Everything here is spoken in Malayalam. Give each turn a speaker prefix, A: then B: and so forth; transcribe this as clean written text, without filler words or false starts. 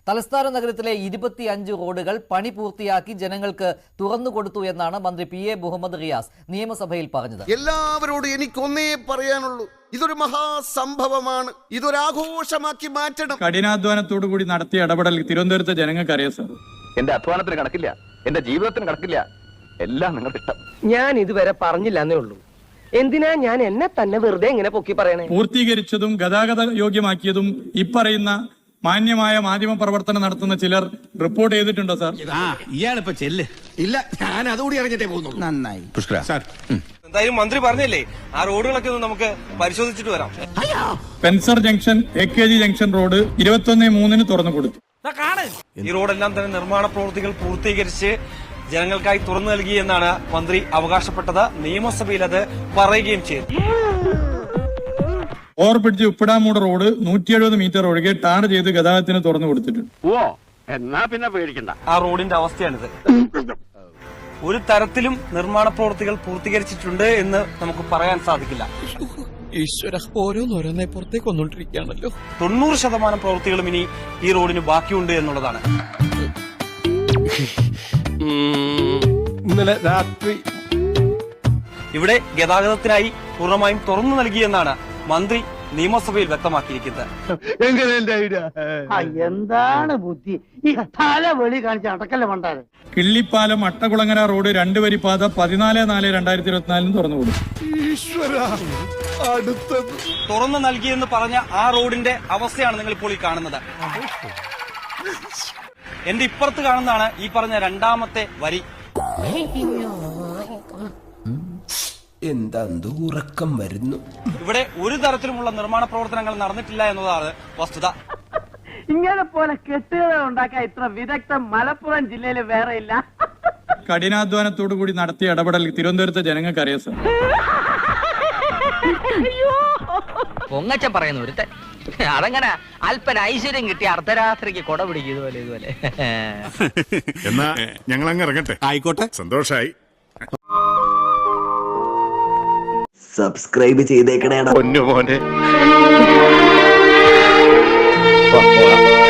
A: തലസ്ഥാന നഗരത്തിലെ 25 റോഡുകൾ പണി പൂർത്തിയാക്കി ജനങ്ങൾക്ക് തുറന്നുകൊടുത്തു എന്നാണ് മന്ത്രി PA മുഹമ്മദ് റിയാസ് നിയമസഭയിൽ പറഞ്ഞത്.
B: എല്ലാവരോടും എനിക്കൊന്നേ പറയാനുള്ളൂ, ഇതൊരു മഹാസംഭവമാണ്, ഇതൊരാഘോഷമാക്കി മാറ്റണം.
C: കഠിനാധ്വാനത്തോടു കൂടി നടത്തിയ ഇടപെടൽ തിരുവനന്തപുരത്തെ ജനങ്ങൾക്ക് അറിയാം സാർ.
D: എന്റെ അധ്വാനത്തിന് കണക്കില്ല, എന്റെ ജീവിതത്തിന് കണക്കില്ല, എല്ലാം നിങ്ങളുടെ ഇഷ്ടം.
E: ഞാൻ ഇതുവരെ പറഞ്ഞില്ലെന്നേ ഉള്ളൂ. എന്തിനാ ഞാൻ എന്നെ തന്നെ വെറുതെ ഇങ്ങനെ പൊക്കി പറയണേ?
C: പൂർത്തീകരിച്ചതും ഗതാഗത യോഗ്യമാക്കിയതും ഇപ്പറയുന്ന മാന്യമായ മാധ്യമ പ്രവർത്തനം നടത്തുന്ന ചിലർ റിപ്പോർട്ട് ചെയ്തിട്ടുണ്ടോ സാർ?
F: ഇയാളിപ്പോ ചെല്ല്. ഇല്ല, ഞാൻ അതുകൂടി അറിഞ്ഞിട്ടേ പോകുന്നുള്ളൂ. നന്നായി പുഷ്കര സാർ.
G: എന്തായാലും മന്ത്രി പറഞ്ഞല്ലേ, ആ റോഡുകളൊക്കെ ഒന്ന് നമുക്ക് പരിശോധിച്ചിട്ട് വരാം.
C: Spencer junction AKG junction road 21/3 തുറന്നു കൊടുത്തു.
G: ഈ റോഡെല്ലാം തന്നെ നിർമ്മാണ പ്രവൃത്തികൾ പൂർത്തീകരിച്ച് ജനങ്ങൾക്കായി തുറന്നു നൽകി എന്നാണ് മന്ത്രി അവകാശപ്പെട്ടത്. നിയമസഭയിൽ അത് പറയുകയും ചെയ്തു.
C: ഓവർബ്രിഡ്ജ് ഉപ്പിടാമൂട് റോഡ് 170 മീറ്റർ ഒഴികെ ടാർ ചെയ്ത് ഗതാഗതത്തിന് തുറന്നു കൊടുത്തിട്ടുണ്ട്.
D: എന്നാ പിന്നെ പേടിക്കണ്ട.
G: ആ റോഡിന്റെ അവസ്ഥയാണിത്. ഒരു തരത്തിലും നിർമ്മാണ പ്രവൃത്തികൾ പൂർത്തീകരിച്ചിട്ടുണ്ട് എന്ന് നമുക്ക് പറയാൻ സാധിക്കില്ല.
F: ഈശ്വര, ഓരോന്നോരോന്നെ പുറത്തേക്ക് വന്നോണ്ടിരിക്കുകയാണല്ലോ.
G: 90% പ്രവൃത്തികളും ഇനി ഈ റോഡിന് ബാക്കിയുണ്ട് എന്നുള്ളതാണ്.
F: ഇന്നലെ രാത്രി
G: ഇവിടെ ഗതാഗതത്തിനായി പൂർണ്ണമായും തുറന്നു നൽകിയെന്നാണ് മന്ത്രി നിയമസഭയിൽ വ്യക്തമാക്കിയിരിക്കുന്നത്.
E: എന്താണ് ബുദ്ധി ഈ തല വെളി കാണിച്ച അടക്കല്ല മണ്ടാരെ.
C: കിള്ളിപ്പാലം അട്ടകുളങ്ങര റോഡ് 2 വരിപ്പാത 14/4/2024 തുറന്നു കൊടുത്തു.
G: തുറന്നു നൽകിയെന്ന് പറഞ്ഞ ആ റോഡിന്റെ അവസ്ഥയാണ് നിങ്ങൾ ഇപ്പോൾ ഈ കാണുന്നത്. എന്റെ ഇപ്പുറത്ത് കാണുന്നതാണ് ഈ പറഞ്ഞ രണ്ടാമത്തെ വരി.
F: എന്താ ഉറക്കം വരുന്നു.
G: ഇവിടെ ഒരു തരത്തിലുമുള്ള നിർമ്മാണ പ്രവർത്തനങ്ങൾ നടന്നിട്ടില്ല എന്നതാണ് വസ്തുത.
E: ഇങ്ങനെ പോലെ കെട്ടുകഥ ഉണ്ടാക്കാൻ ഇത്ര വിദഗ്ധം മലപ്പുറം ജില്ലയിൽ വേറെ ഇല്ല.
C: കഠിനാധ്വാനത്തോടു കൂടി നടത്തിയ ഇടപെടൽ തിരുവനന്തപുരത്തെ ജനങ്ങൾക്ക് അറിയാം സാർ.
E: പൊങ്ങച്ചൻ പറയുന്ന ഒരുത്തൻ അതങ്ങനെ അല്പന ഐശ്വര്യം കിട്ടി അർദ്ധരാത്രിക്ക് കൊട പിടിക്കും ഇതുപോലെ.
H: എന്നാ ഞങ്ങൾ അങ്ങ് ഇറങ്ങട്ടെ.
F: ആയിക്കോട്ടെ,
H: സന്തോഷായി.
I: സബ്സ്ക്രൈബ് ചെയ്തേക്കണേടാ
D: പൊന്നു മോനെ.